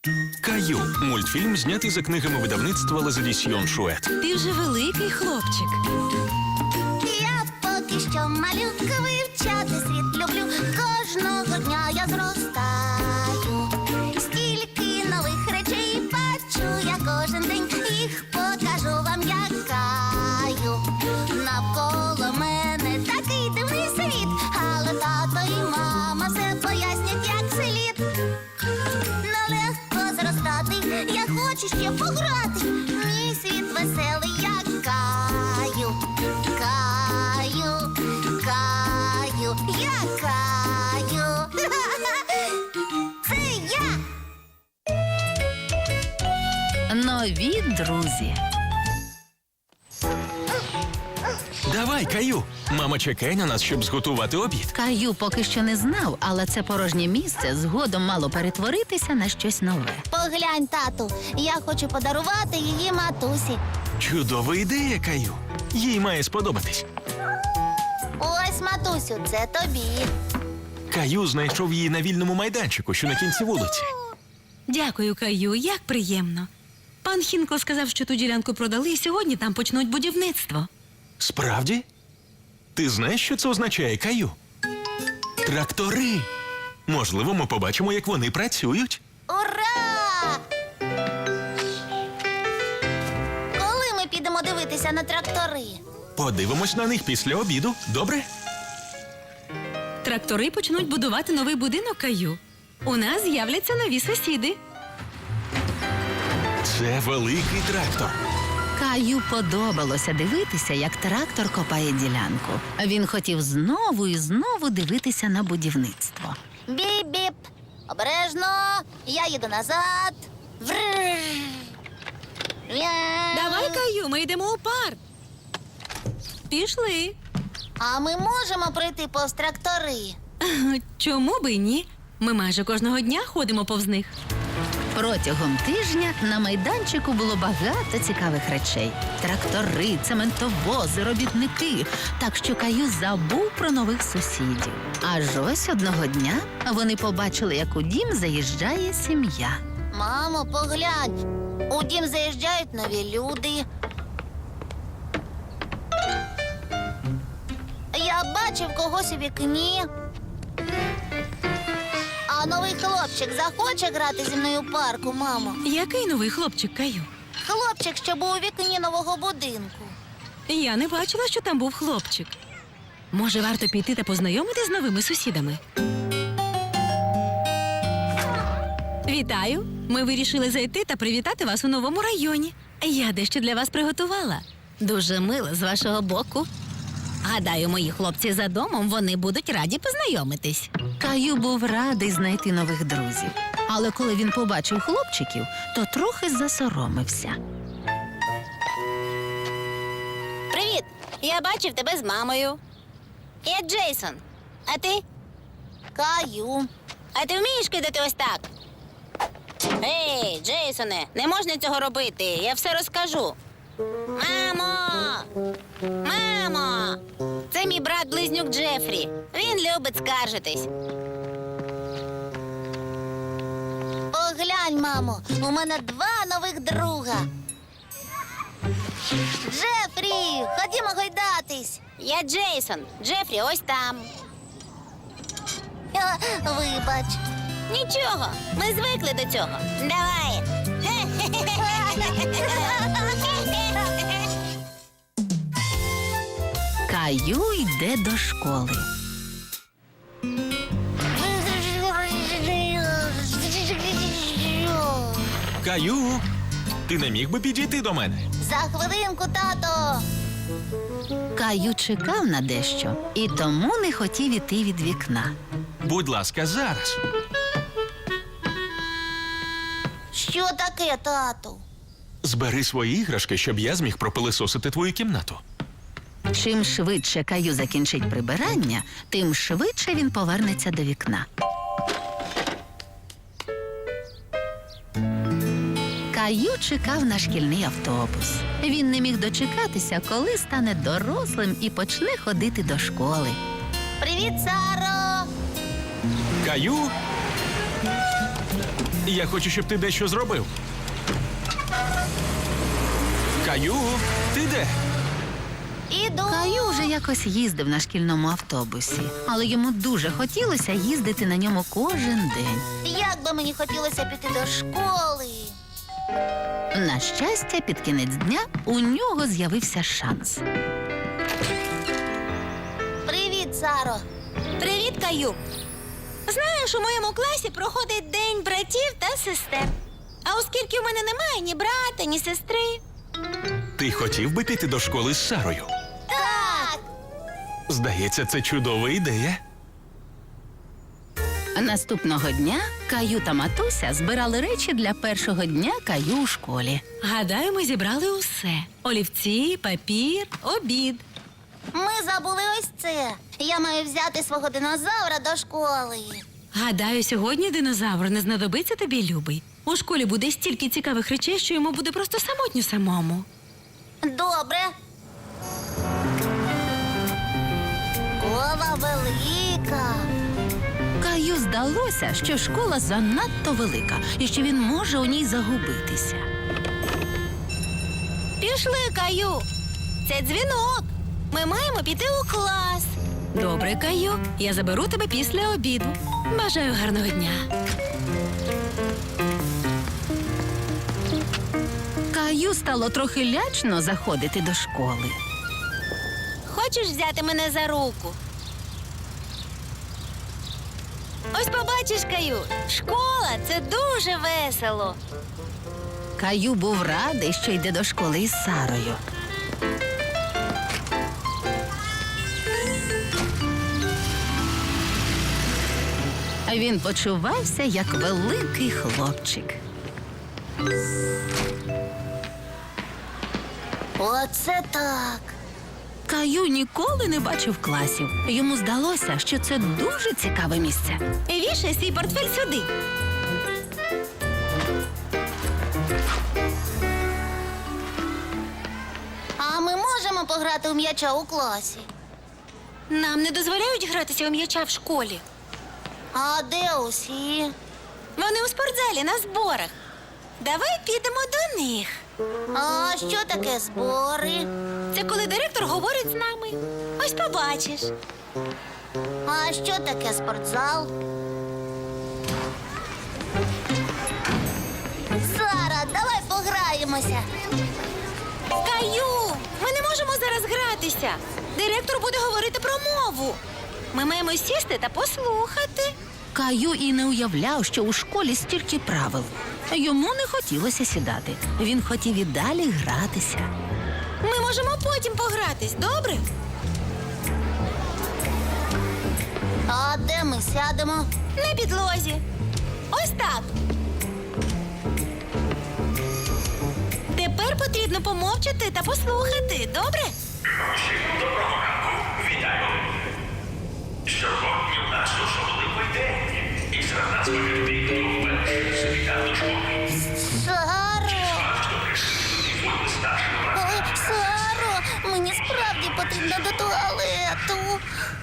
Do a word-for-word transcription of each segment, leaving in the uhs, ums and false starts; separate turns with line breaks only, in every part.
Каю. Мультфільм знятий за книгами видавництва Лазадісьйон Шует.
Ти вже великий хлопчик.
Я поки що малютка, вивчати світ люблю. Кожного дня я зростаю. Стільки нових речей бачу я кожен день. Їх покажу вам, як Каю. Навколо мене такий дивний світ, але тато і мама все пояснять, як слід. Нелегко зростати, я хочу ще пограти. Мій світ веселий, як Каю. Каю, Каю, я Каю. Це я.
Нові друзі.
Давай, Каю. Мама чекає на нас, щоб зготувати обід.
Каю поки що не знав, але це порожнє місце згодом мало перетворитися на щось нове.
Поглянь, тату, я хочу подарувати її матусі.
Чудова ідея, Каю. Їй має сподобатись.
Ось, матусю, це тобі.
Каю знайшов її на вільному майданчику, що на кінці вулиці.
Дякую, Каю, як приємно. Пан Хінко сказав, що ту ділянку продали, і сьогодні там почнуть будівництво.
Справді? Ти знаєш, що це означає, Каю? Трактори. Можливо, ми побачимо, як вони працюють.
Ура! Коли ми підемо дивитися на трактори?
Подивимось на них після обіду, добре?
Трактори почнуть будувати новий будинок, Каю. У нас з'являться нові сусіди.
Це великий трактор.
Каю подобалося дивитися, як трактор копає ділянку. Він хотів знову і знову дивитися на будівництво.
Біп-біп. Обережно. Я їду назад. Врррр. Я-
Давай, Каю, ми йдемо у парк. Пішли.
А ми можемо пройти повз трактори?
Чому би й ні? Ми майже кожного дня ходимо повз них.
Протягом тижня на майданчику було багато цікавих речей. Трактори, цементовози, робітники. Так що Каю забув про нових сусідів. Аж ось одного дня вони побачили, як у дім заїжджає сім'я.
Мамо, поглянь. У дім заїжджають нові люди. Я бачив когось у вікні. А новий хлопчик захоче грати зі мною у парку, мамо?
Який новий хлопчик, Каю?
Хлопчик, що був у вікні нового будинку.
Я не бачила, що там був хлопчик. Може, варто піти та познайомитись з новими сусідами? Вітаю! Ми вирішили зайти та привітати вас у новому районі. Я дещо для вас приготувала. Дуже мило з вашого боку. Гадаю, мої хлопці за домом, вони будуть раді познайомитись.
Каю був радий знайти нових друзів. Але коли він побачив хлопчиків, то трохи засоромився.
Привіт! Я бачив тебе з мамою. Я Джейсон. А ти? Каю. А ти вмієш кидати ось так? Ей, Джейсоне, не можна цього робити. Я все розкажу. Мамо! Мамо! Це мій брат-близнюк Джефрі. Він любить скаржитись. Поглянь, мамо, у мене два нових друга. Джефрі, ходімо гойдатись. Я Джейсон. Джефрі ось там. А, вибач. Нічого, ми звикли до цього. Давай.
Каю йде до школи.
Каю, ти не міг би підійти до мене?
За хвилинку, тато.
Каю чекав на дещо і тому не хотів іти від вікна.
Будь ласка, зараз.
Що таке, тату?
Збери свої іграшки, щоб я зміг пропилисосити твою кімнату.
Чим швидше Каю закінчить прибирання, тим швидше він повернеться до вікна. Каю чекав на шкільний автобус. Він не міг дочекатися, коли стане дорослим і почне ходити до школи.
Привіт, Саро!
Каю? Я хочу, щоб ти дещо зробив. Каю, ти де?
Іду.
Каю вже якось їздив на шкільному автобусі, але йому дуже хотілося їздити на ньому кожен день.
Як би мені хотілося піти до школи.
На щастя, під кінець дня у нього з'явився шанс.
Привіт, Саро.
Привіт, Каю. Знаєш, у моєму класі проходить День братів та сестер. А оскільки у мене немає ні брата, ні сестри.
Ти хотів би піти до школи з Сарою?
Так.
Здається, це чудова ідея.
Наступного дня Каю та матуся збирали речі для першого дня Каю у школі.
Гадаю, ми зібрали усе: олівці, папір, обід.
Ми забули ось це. Я маю взяти свого динозавра до школи.
Гадаю, сьогодні динозавр не знадобиться тобі, любий. У школі буде стільки цікавих речей, що йому буде просто самотньо самому.
Добре. Школа велика.
Каю здалося, що школа занадто велика і що він може у ній загубитися.
Пішли, Каю. Це дзвінок. Ми маємо піти у клас. Добре, Каю. Я заберу тебе після обіду. Бажаю гарного дня.
Каю стало трохи лячно заходити до школи.
Хочеш взяти мене за руку? Ось побачиш, Каю, школа – це дуже весело.
Каю був радий, що йде до школи із Сарою. А він почувався як великий хлопчик.
Оце так.
Каю ніколи не бачив класів. Йому здалося, що це дуже цікаве місце.
Вішай свій портфель сюди.
А ми можемо пограти у м'яча у класі?
Нам не дозволяють гратися у м'яча в школі.
А де усі?
Вони у спортзалі на зборах. Давай підемо до них.
А що таке збори?
Це коли директор говорить з нами. Ось побачиш.
А що таке спортзал? Сара, давай пограємося.
Каю, ми не можемо зараз гратися. Директор буде говорити про мову. Ми маємо сісти та послухати.
Каю і не уявляв, що у школі стільки правил. Йому не хотілося сідати. Він хотів і далі гратися.
Ми можемо потім погратись, добре?
А де ми сядемо?
На підлозі. Ось так. Тепер потрібно помовчати та послухати, добре?
Усім доброго ранку. Вітаю. Сьогодні в нас особливий день. І серед нас повідомі, хто вперше завітав до школи.
Саро!
А хто присутній буде старшим братом?
Ой, Саро! Мені справді потрібно до туалету.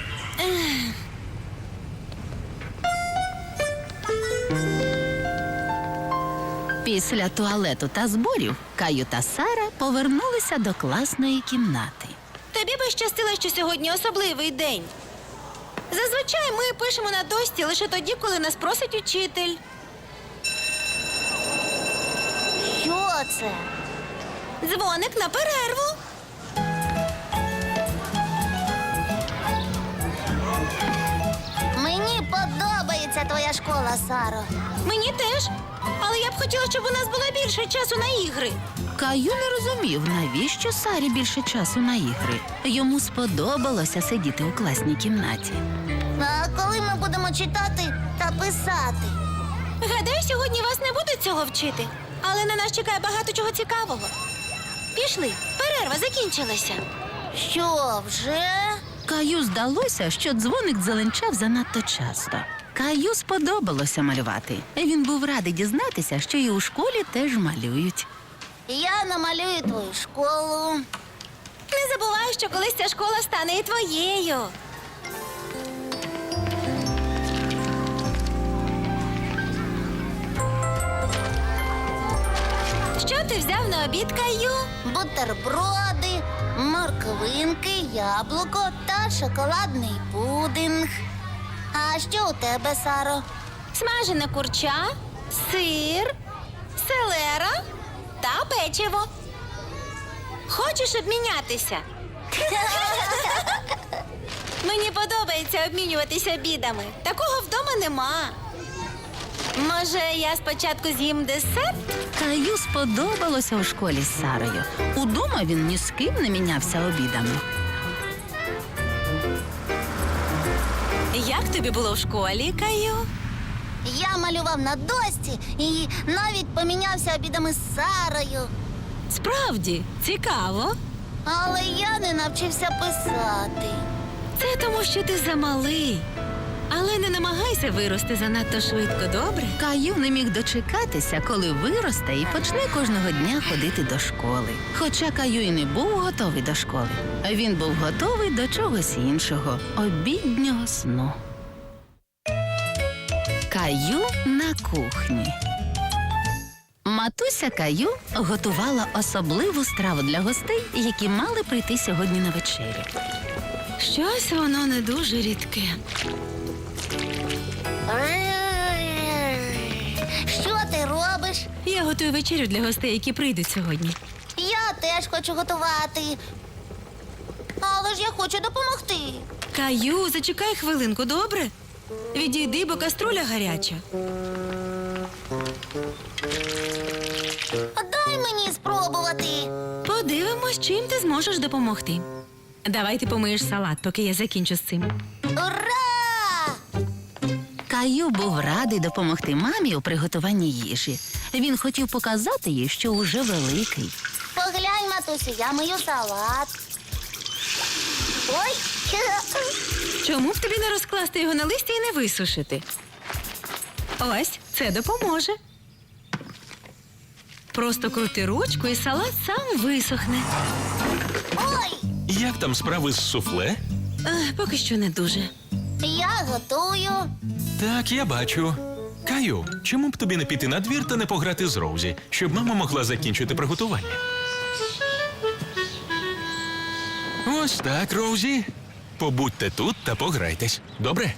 Після туалету та зборів Каю та Сара повернулися до класної кімнати.
Тобі би щастило, що сьогодні особливий день. Зазвичай ми пишемо на дошці лише тоді, коли нас просить учитель.
Що це?
Дзвоник на перерву.
Мені подобається твоя школа, Саро.
Мені теж. Але я б хотіла, щоб у нас було більше часу на ігри.
Каю не розумів, навіщо Сарі більше часу на ігри. Йому сподобалося сидіти у класній кімнаті.
А коли ми будемо читати та писати?
Гадаю, сьогодні вас не будуть цього вчити. Але на нас чекає багато чого цікавого. Пішли, перерва закінчилася.
Що, вже?
Каю здалося, що дзвоник дзеленчав занадто часто. Каю сподобалося малювати. Він був радий дізнатися, що і у школі теж малюють.
Я намалюю твою школу.
Не забувай, що колись ця школа стане і твоєю. ти взяв на обід, Каю?
Бутерброди, морквинки, яблуко та шоколадний пудинг. А що у тебе, Саро?
Смажене курча, сир, селера та печиво. Хочеш обмінятися? Мені подобається обмінюватися обідами. Такого вдома нема. Може, я спочатку з'їм десерт?
Каю сподобалося у школі з Сарою. Удома він ні з ким не мінявся обідами.
Як тобі було в школі, Каю?
Я малював на дошці і навіть помінявся обідами з Сарою.
Справді, цікаво.
Але я не навчився писати.
Це тому, що ти замалий. Але не намагайся вирости занадто швидко, добре?
Каю не міг дочекатися, коли виросте і почне кожного дня ходити до школи. Хоча Каю і не був готовий до школи, а він був готовий до чогось іншого – обіднього сну. Каю на кухні. Матуся Каю готувала особливу страву для гостей, які мали прийти сьогодні на вечерю.
Щось воно не дуже рідке.
Що ти робиш?
Я готую вечерю для гостей, які прийдуть сьогодні.
Я теж хочу готувати. Але ж я хочу допомогти.
Каю, зачекай хвилинку, добре? Відійди, бо каструля гаряча.
Дай мені спробувати.
Подивимось, чим ти зможеш допомогти. Давай ти помиєш салат, поки я закінчу з цим.
Ура!
Каю був радий допомогти мамі у приготуванні їжі. Він хотів показати їй, що уже великий.
Поглянь, матусю, я мию салат. Ой!
Чому б тобі не розкласти його на листі і не висушити? Ось, це допоможе. Просто крути ручку, і салат сам висохне.
Ой!
Як там справи з суфле?
Ех, поки що не дуже.
Я готую.
Так, я бачу. Каю, чому б тобі не піти на двір та не пограти з Роузі, щоб мама могла закінчити приготування? Ось так, Роузі. Побудьте тут та пограйтесь. Добре?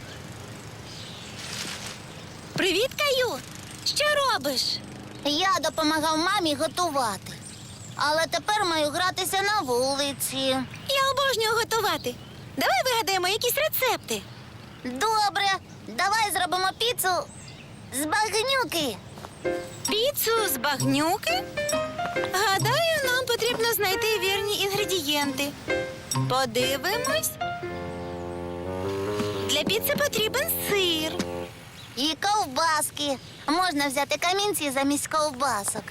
Привіт, Каю! Що робиш?
Я допомагав мамі готувати. Але тепер маю гратися на вулиці.
Я обожнюю готувати. Давай вигадаємо якісь рецепти.
Добре, давай зробимо піцу з багнюки.
Піцу з багнюки? Гадаю, нам потрібно знайти вірні інгредієнти. Подивимось. Для піци потрібен сир.
І ковбаски. Можна взяти камінці замість ковбасок.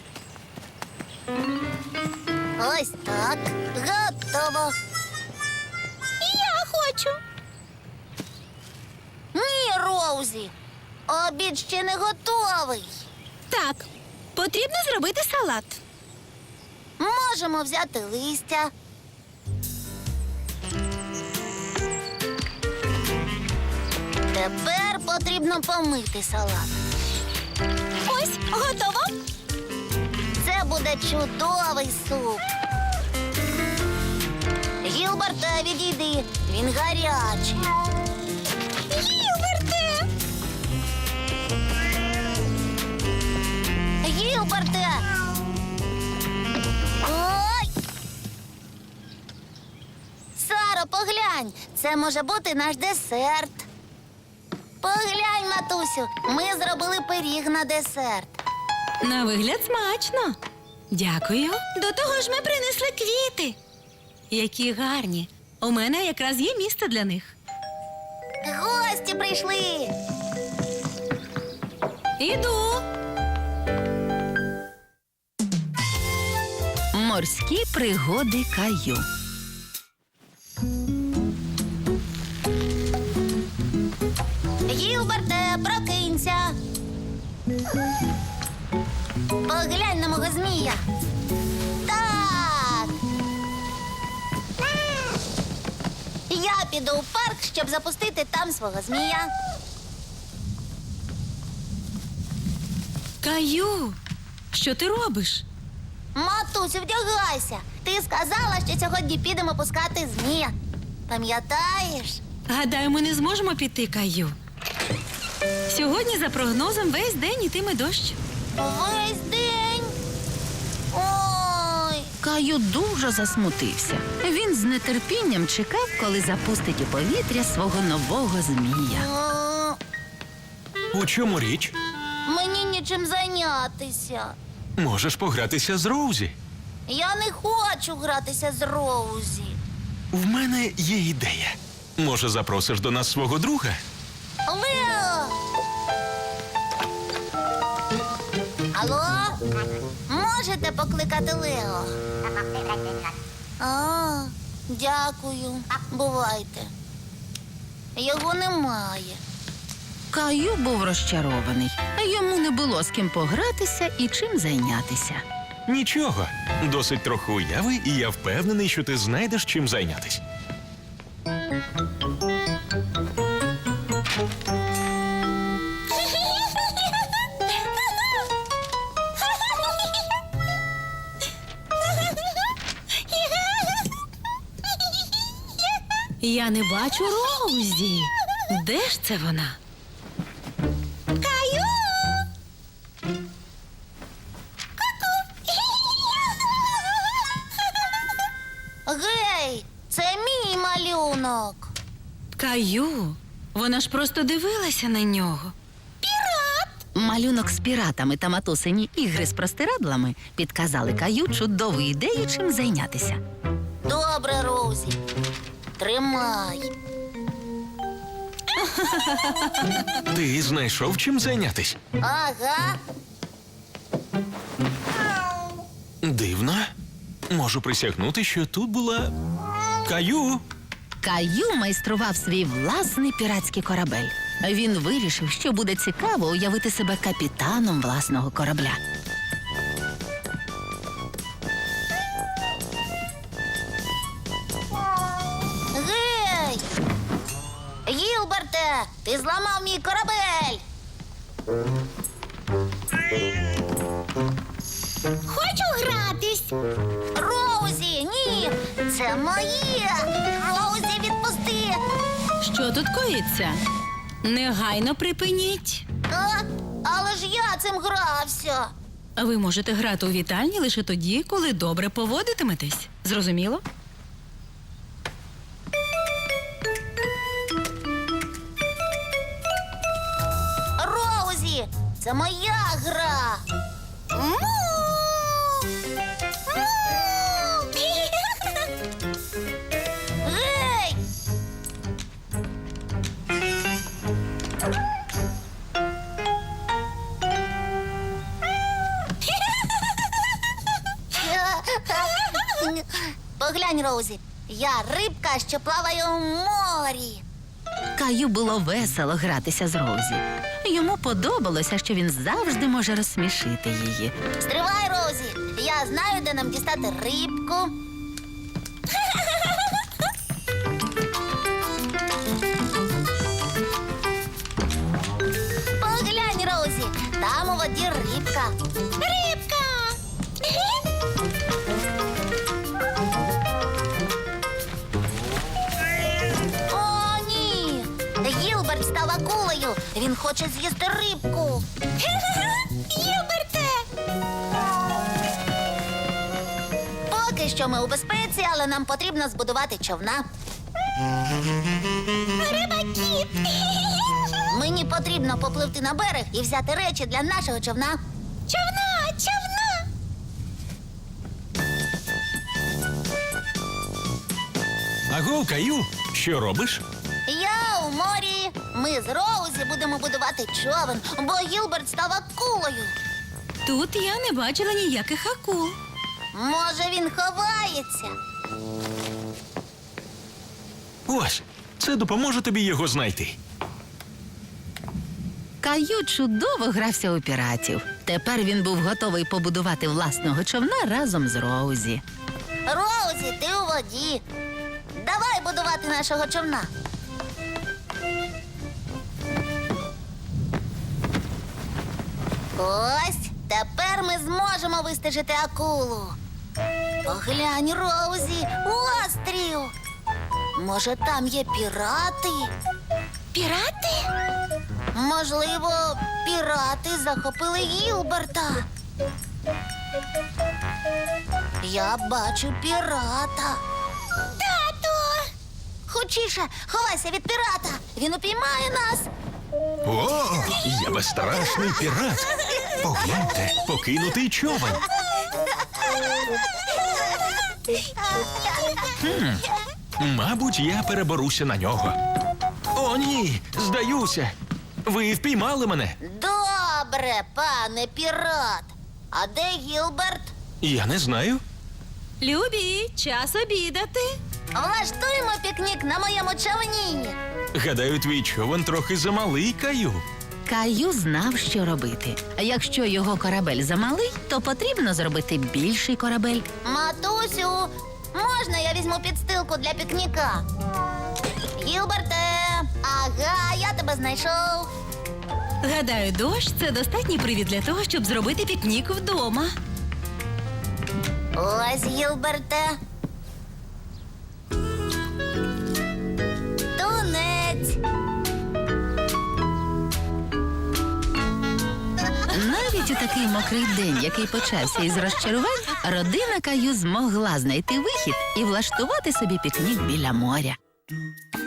Ось так. Готово.
Я хочу.
Ні, Роузі. Обід ще не готовий.
Так, потрібно зробити салат.
Можемо взяти листя. Тепер потрібно помити салат.
Ось, готово.
Це буде чудовий суп. Гілберте, відійди. Він гарячий.
Гілберте!
Гілберте! Ой! Саро, поглянь. Це може бути наш десерт. Поглянь, матусю, ми зробили пиріг на десерт.
На вигляд смачно. Дякую. До того ж ми принесли квіти. Які гарні. У мене якраз є місце для них.
Гості прийшли.
Іду.
Морські пригоди Каю.
Гілберте, прокинься. Поглянь на мого змія. Так. Я піду у парк, щоб запустити там свого змія.
Каю, що ти робиш?
Матусю, вдягайся. Ти сказала, що сьогодні підемо пускати змія. Пам'ятаєш?
Гадаю, ми не зможемо піти, Каю. Сьогодні, за прогнозом, весь день ітиме дощ.
Весь день. Ой.
Каю дуже засмутився. Він з нетерпінням чекав, коли запустить у повітря свого нового змія.
О,
У чому річ?
мені нічим зайнятися.
Можеш погратися з Роузі.
Я не хочу гратися з Роузі.
В мене є ідея. Може, запросиш до нас свого друга?
Лео! Алло? Можете покликати Лео? А, дякую. Бувайте. Його немає.
Каю був розчарований. Йому не було з ким погратися і чим зайнятися.
Нічого. Досить трохи уяви, і я впевнений, що ти знайдеш чим зайнятись.
Я не бачу Роузі. Де ж це вона?
Каю! Гей, це мій малюнок.
Каю. Вона ж просто дивилася на нього.
Малюнок з піратами та матусині ігри з простирадлами підказали Каю чудову ідею, чим зайнятися.
Добре, Роузі. Тримай.
Ти знайшов чим зайнятись?
Ага.
Дивно. Можу присягнути, що тут була Каю.
Каю майстрував свій власний піратський корабель. Він вирішив, що буде цікаво уявити себе капітаном власного корабля.
Гей! Гілберте, ти зламав мій корабель. Хочу гратись. Роузі, ні, це моє. Роузі, відпусти.
Що тут коїться? Негайно припиніть.
А? Але ж я цим грався.
Ви можете грати у вітальні лише тоді, коли добре поводитиметесь. Зрозуміло?
Роузі, це моя гра. Му! Му! Гей! Поглянь, Роузі, я рибка, що плаває у морі.
Каю було весело гратися з Роузі. Йому подобалося, що він завжди може розсмішити її.
Стривай, Роузі, я знаю, де нам дістати рибку. Поглянь, Роузі, там у воді рибка. Рибка! О, ні! Гілберт став акулою. Він хоче з'їсти рибку. Гілберте! Поки що ми у безпеці, але нам потрібно збудувати човна. Риба-кіт! Мені потрібно попливти на берег і взяти речі для нашого човна. Човна! Човна!
Аго, Каю, що робиш?
Я у морі. Ми з Роузі будемо будувати човен, бо Гілберт став акулою.
Тут я не бачила ніяких акул.
Може, він ховається?
Ось, це допоможе тобі його знайти.
Каю чудово грався у піратів. Тепер він був готовий побудувати власного човна разом з Роузі.
Роузі, ти у воді. Давай будувати нашого човна. Ось, Тепер ми зможемо вистежити акулу. Поглянь, Роузі, острів. Може, там є пірати?
Пірати?
Можливо, пірати захопили Гілберта. Я бачу пірата. Тату! Хочіше, ховайся від пірата. Він упіймає нас.
О, я безстрашний пірат. Погляньте, покинутий човен. Хм, мабуть, я переберуся на нього. О, ні, здаюся. Ви впіймали мене.
Добре, пане пірат. А де Гілберт?
Я не знаю.
Любі, час обідати.
Влаштуємо пікнік на моєму човні.
Гадаю, твій човен трохи замалий, Каю.
Каю знав, що робити. А якщо його корабель замалий, то потрібно зробити більший корабель.
Матусю, можна я візьму підстилку для пікніка? Гілберте, ага, я тебе знайшов.
Гадаю, дощ це достатній привід для того, щоб зробити пікнік вдома.
Ось, Гілберте. Тунець.
Навіть у такий мокрий день, який почався із розчарувань, родина Каю змогла знайти вихід і влаштувати собі пікнік біля моря.